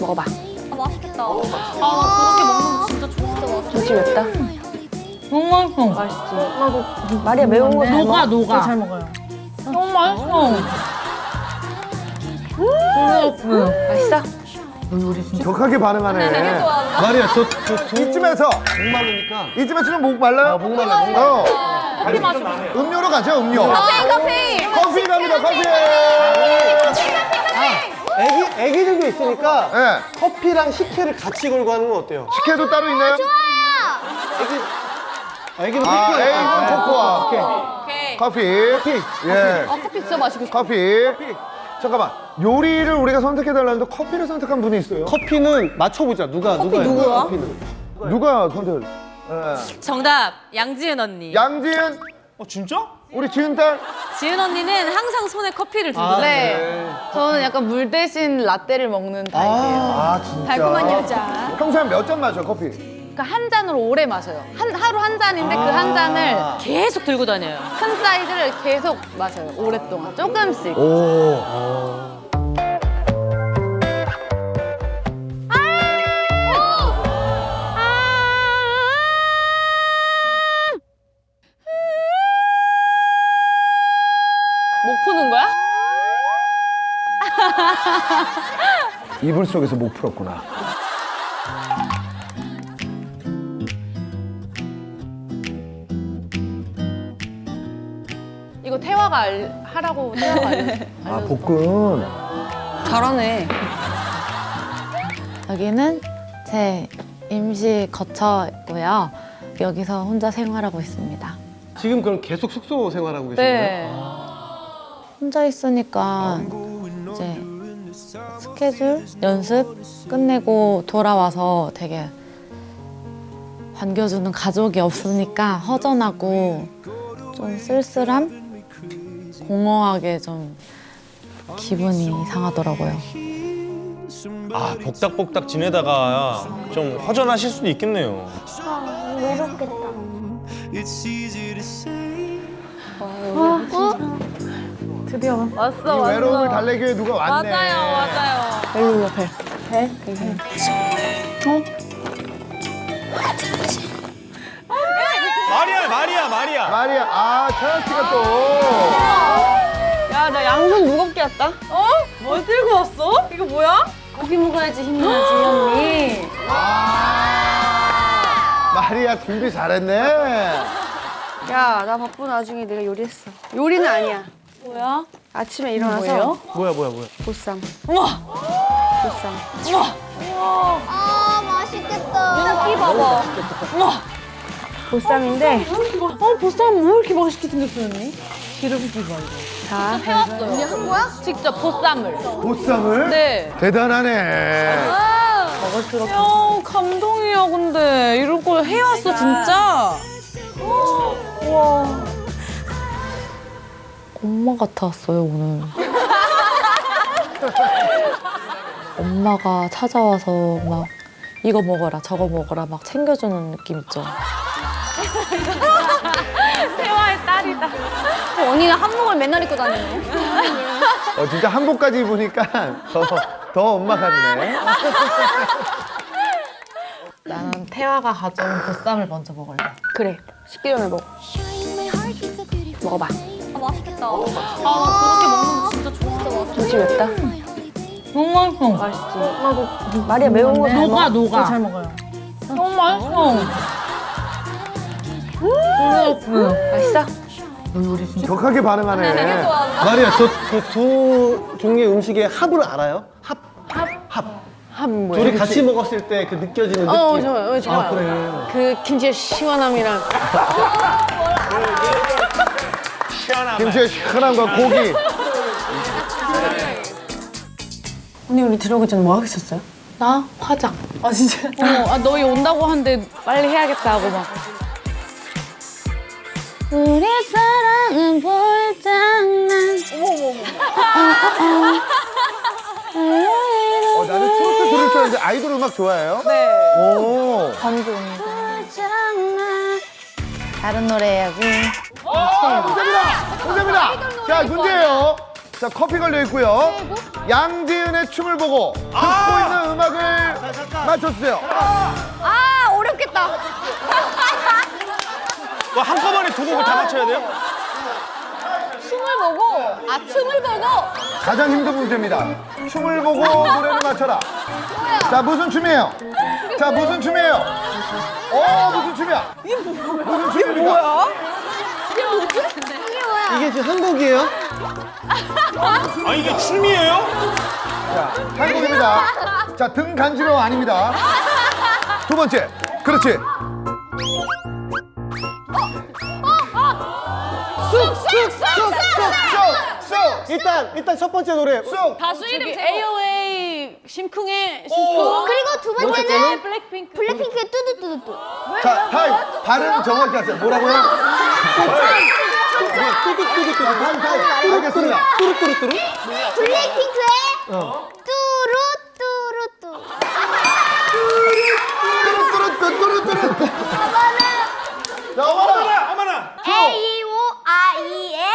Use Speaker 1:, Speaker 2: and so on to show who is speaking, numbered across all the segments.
Speaker 1: 먹어봐.
Speaker 2: 맛있겠다. 나 저렇게 먹는 거 진짜 좋아.
Speaker 1: 김치 맵다.
Speaker 3: 너무 맛있어.
Speaker 1: 맛있지. 나도 마리아 매운 거 잘 먹어.
Speaker 3: 녹아.
Speaker 1: 잘 먹어요.
Speaker 3: 너무 맛있어.
Speaker 1: 맛있어?
Speaker 4: 격하게 반응하네.
Speaker 5: 마리아
Speaker 4: 이쯤에서
Speaker 5: 목마르니까
Speaker 4: 이쯤에서 좀 목 말라요?
Speaker 5: 목 말라.
Speaker 4: 커피 마시고. 음료로 가죠, 음료.
Speaker 2: 커피.
Speaker 4: 커피 갑니다, 커피.
Speaker 5: 애기들도 있으니까
Speaker 4: 예.
Speaker 5: 커피랑 식혜를 같이 걸고 하는 건 어때요?
Speaker 4: 식혜도 따로 있나요?
Speaker 5: 애기는
Speaker 4: 아,
Speaker 5: 뺄게요.
Speaker 4: 에이, 코코아.
Speaker 2: 오케이.
Speaker 4: 커피. 예.
Speaker 2: 커피 진짜 맛있겠어.
Speaker 4: 커피. 잠깐만. 요리를 우리가 선택해달라는데 커피를 선택한 분이 있어요.
Speaker 5: 커피는 맞춰보자. 누가
Speaker 2: 누구야?
Speaker 5: 커피는.
Speaker 4: 누가 선택을? 예.
Speaker 2: 정답 양지은 언니.
Speaker 4: 양지은,
Speaker 5: 진짜?
Speaker 4: 우리 지은 딸.
Speaker 2: 지은 언니는 항상 손에 커피를 들고 다녀요.
Speaker 3: 네. 저는 약간 물 대신 라떼를 먹는 타입이에요.
Speaker 4: 아, 진짜.
Speaker 1: 달콤한 여자.
Speaker 4: 평소에 몇 잔 마셔, 커피?
Speaker 3: 그러니까 한 잔으로 오래 마셔요. 하루 한 잔인데 그 한 잔을
Speaker 2: 계속 들고 다녀요.
Speaker 3: 큰 사이즈를 계속 마셔요. 오랫동안. 조금씩.
Speaker 4: 오.
Speaker 3: 목 푸는 거야?
Speaker 4: 이불 속에서 목 풀었구나.
Speaker 3: 이거 태화가 하라고 태화가
Speaker 4: 아, 볶음.
Speaker 1: 잘하네.
Speaker 6: 여기는 제 임시 거처고요. 여기서 혼자 생활하고 있습니다.
Speaker 5: 지금 그럼 계속 숙소 생활하고 계신 거예요?
Speaker 3: 네.
Speaker 6: 혼자 있으니까 이제 스케줄, 연습 끝내고 돌아와서 되게 반겨주는 가족이 없으니까 허전하고 좀 쓸쓸함? 공허하게 좀 기분이 이상하더라고요.
Speaker 7: 아, 복닥복닥 지내다가 좀 허전하실 수도 있겠네요.
Speaker 6: 드디어
Speaker 3: 왔어,
Speaker 4: 이 외로움을 달래기 위해 누가 왔네.
Speaker 2: 맞아요.
Speaker 6: 벨룰러 벨.
Speaker 7: 마리아.
Speaker 4: 마리아, 아, 태연 씨가 또.
Speaker 1: 야, 나 양손 무겁게 왔다.
Speaker 2: 뭘 들고 왔어? 이거 뭐야?
Speaker 1: 고기 먹어야지 힘이 나지, 언니.
Speaker 4: 마리아 준비 잘했네.
Speaker 1: 야, 나 바쁜 와중에 내가 요리했어. 요리는 아니야.
Speaker 2: 뭐야?
Speaker 1: 아침에 일어나서
Speaker 5: 뭐야.
Speaker 1: 보쌈.
Speaker 2: 우와.
Speaker 1: 보쌈.
Speaker 2: 아 맛있겠다. 여기 봐봐. 우와.
Speaker 1: 보쌈인데
Speaker 3: 보쌈 왜 이렇게 맛있게 생겼어요, 언니?
Speaker 1: 자,
Speaker 2: 해왔어요. 언니 한 거야?
Speaker 3: 직접 보쌈을.
Speaker 4: 보쌈을?
Speaker 3: 네.
Speaker 4: 대단하네.
Speaker 3: 야, 감동이야, 근데. 이런 걸 해왔어, 진짜.
Speaker 6: 엄마 같았어요, 오늘. 엄마가 찾아와서 막 이거 먹어라, 저거 먹어라 막 챙겨주는 느낌 있죠.
Speaker 3: 태화의 딸이다.
Speaker 1: 언니는 한복을 맨날 입고 다니네.
Speaker 4: 진짜 한복까지 입으니까 더 엄마 같네.
Speaker 6: 나는 태화가 가져온 보쌈을 먼저 먹을래.
Speaker 1: 그래, 식기 전에 먹어. 먹어봐.
Speaker 2: 맛있겠다. 나 저렇게 먹는 거 진짜 좋아.
Speaker 1: 김치 맵다.
Speaker 3: 너무 맛있어.
Speaker 1: 맛있지. 나도 마리아 매운 거 잘 먹어.
Speaker 3: 녹아.
Speaker 1: 잘 먹어요.
Speaker 3: 너무 맛있어.
Speaker 1: 맛있어?
Speaker 4: 격하게 반응하네.
Speaker 5: 마리아 그 두 종류의 음식의 합을 알아요? 합.
Speaker 1: 합 뭐야?
Speaker 5: 둘이 같이 먹었을 때 그 느껴지는 느낌.
Speaker 1: 좋아요. 좋아요.
Speaker 5: 아, 그래.
Speaker 1: 그 김치의 시원함이랑
Speaker 4: 김치의 시원함과 고기.
Speaker 1: 언니 우리 들어오기 전에 뭐 하고 있었어요?
Speaker 6: 나 화장.
Speaker 1: 아 진짜?
Speaker 3: 너희 온다고 하는데 빨리 해야겠다 하고 막.
Speaker 6: 우리 사랑은 볼장난.
Speaker 4: 나는 트로트 들을 줄 알았는데 아이돌 음악 좋아해요?
Speaker 3: 네.
Speaker 4: 오.
Speaker 6: 볼장난. 다른 노래 해야지.
Speaker 4: 문제입니다. 자, 문제예요. 자, 커피 걸려 있고요. 양지은의 춤을 보고 듣고 있는 음악을 맞춰주세요.
Speaker 1: 아 어렵겠다.
Speaker 7: 뭐 한꺼번에 두 곡을 다 맞춰야 돼요?
Speaker 3: 춤을 보고
Speaker 4: 가장 힘든 문제입니다. 춤을 보고 노래를 맞춰라. 자, 무슨 춤이에요? 자, 무슨 춤이에요? 무슨 춤이야? 무슨 춤입니까?
Speaker 5: 이게 지금 한국이에요?
Speaker 7: 아 이게 춤이에요?
Speaker 4: 자, 한국입니다. 자, 등 간지러워 아닙니다. 두 번째. 그렇지. 쑥!
Speaker 5: 일단 첫 번째 노래.
Speaker 4: 쑥!
Speaker 2: 가수 이름 AOA 심쿵의
Speaker 8: 그리고 두 번째는
Speaker 2: 블랙핑크.
Speaker 8: 블랙핑크의 뚜두뚜두뚜.
Speaker 4: 자, 타임. 발음 정확히 하세요. 뭐라고요?
Speaker 5: 뚜두뚜두뚜.
Speaker 4: 알겠습니다.
Speaker 5: 뚜루뚜루뚜루.
Speaker 8: 블랙핑크의 뚜루뚜루뚜.
Speaker 4: 뚜루뚜루뚜루뚜루. 자, 어머나!
Speaker 7: 어머나.
Speaker 8: AOI의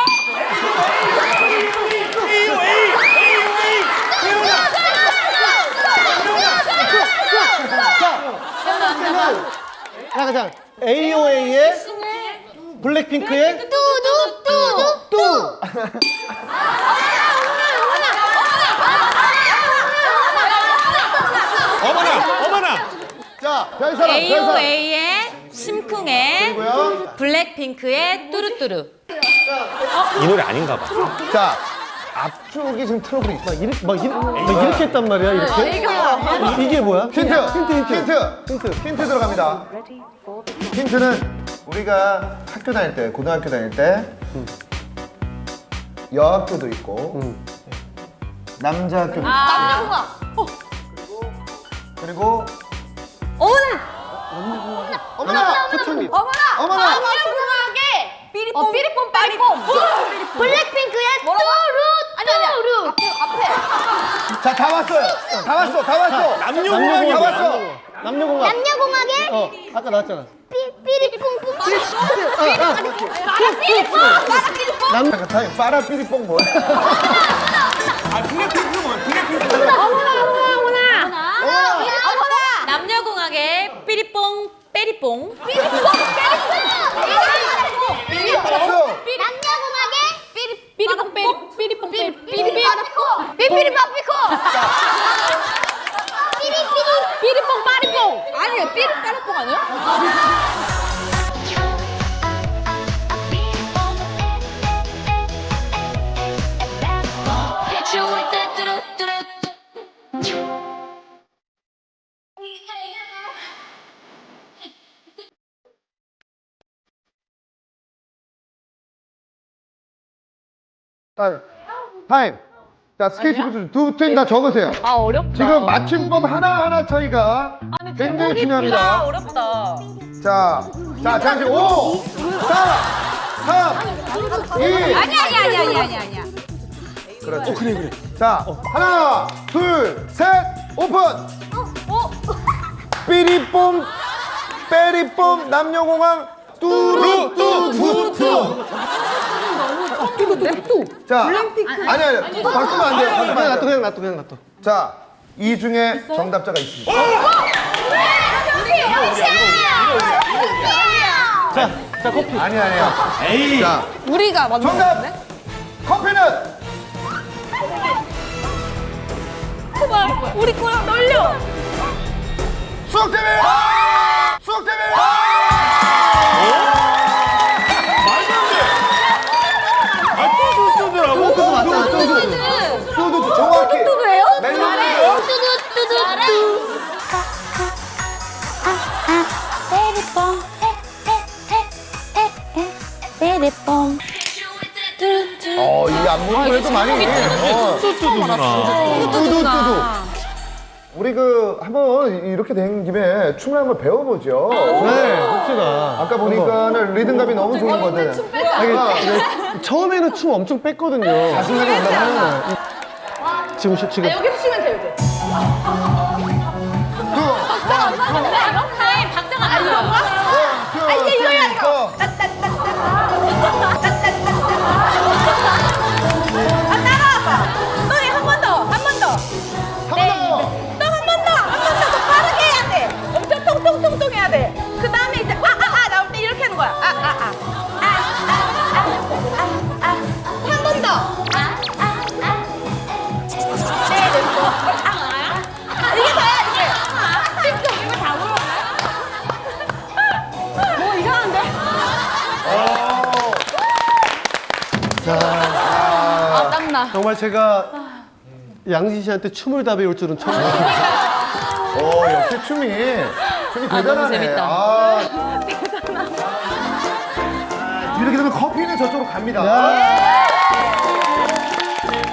Speaker 5: 자, AOA의 블랙핑크의
Speaker 8: 뚜두뚜두.
Speaker 5: 뚜.
Speaker 7: 어머나.
Speaker 4: 자, 별 사람, 별 사람.
Speaker 2: AOA의 심쿵의
Speaker 4: 그리고요.
Speaker 2: 블랙핑크의 뚜루뚜루.
Speaker 7: 이 노래 아닌가 봐.
Speaker 4: 자, 앞쪽이 지금 트러블이 있어.
Speaker 5: 막 이렇게 했단 말이야, 이렇게? 이게 뭐야?
Speaker 4: 힌트 들어갑니다. 힌트는 우리가 학교 다닐 때, 고등학교 다닐 때 여학교도 있고 남자 학교도 있고 그리고 어머나
Speaker 5: 표창님.
Speaker 4: 어머나
Speaker 2: 삐리뽕 빠리뽕.
Speaker 8: 블랙핑크의 뚜루.
Speaker 4: 자, 다 왔어요. 다 왔어.
Speaker 7: 남녀공학이
Speaker 4: 다 왔어.
Speaker 5: 남녀공학.
Speaker 8: 남녀공학의
Speaker 5: 아까 나왔잖아.
Speaker 8: 삐리뽕뽕.
Speaker 4: 잠깐 타임. 빠라삐리뽕 뭐야?
Speaker 2: 남녀공학의 삐리뽕 빼리뽕.
Speaker 8: 남녀공학의
Speaker 2: 삐리뽕 삐리뽕
Speaker 8: 삐리빠삐코.
Speaker 2: 삐리뽕 빠리뽕. 아니에요. 삐리 빠리뽕 아니에요?
Speaker 4: 타임. 자, 스케이트부터 두 팀 다 적으세요.
Speaker 2: 아 어렵다.
Speaker 4: 지금 맞춤법 하나하나 차이가 굉장히 중요합니다.
Speaker 2: 어렵다.
Speaker 4: 자, 잠시 5, 4, 3, 2.
Speaker 2: 아니야.
Speaker 4: 그렇지. 그래. 자, 하나, 둘, 셋, 오픈. 삐리뽕, 빼리뽕, 남녀공항, 뚜루뚜뚜뚜. 자, 아니야. 바꾸면 안 돼요. 바꾸면 안 돼요.
Speaker 5: 그냥 놔둬.
Speaker 4: 자, 이 중에 정답자가 있습니다.
Speaker 5: 자, 커피.
Speaker 4: 아니야.
Speaker 7: 에이.
Speaker 4: 자,
Speaker 1: 우리가 맞는
Speaker 4: 정답. 커피는
Speaker 2: 우리 거랑 떨려.
Speaker 4: 수학팀이에요. 수학팀이에요.
Speaker 7: 말도 안 돼. 아 뚜두뚜두라고?
Speaker 5: 뚜두 맞잖아, 뚜두.
Speaker 4: 뚜두 정확히.
Speaker 1: 뚜두예요?
Speaker 4: 멜로디예요.
Speaker 8: 삐리뽕.
Speaker 4: 이 안무는 그래도 많이.
Speaker 7: 뚜두뚜두구나.
Speaker 4: 뚜두뚜두. 우리 한번 이렇게 된 김에 춤을 한번 배워보죠.
Speaker 5: 네, 혹시나.
Speaker 4: 아까 보니까는 리듬감이 너무 좋은 거든.
Speaker 5: 처음에는 춤 엄청 뺐거든요.
Speaker 4: 자신감이 올라가는
Speaker 5: 지금.
Speaker 2: 여기 치면 돼요 이제. 박자가 안 나와.
Speaker 4: 이제 이거야 이거.
Speaker 2: 한 번 더.
Speaker 4: 한 번 더.
Speaker 5: 정말 제가 양진 씨한테 춤을 다 배울 줄은 처음 알았어요.
Speaker 4: 역시 춤이 대단하네. 재밌다. 이렇게 되면 커피는 저쪽으로 갑니다.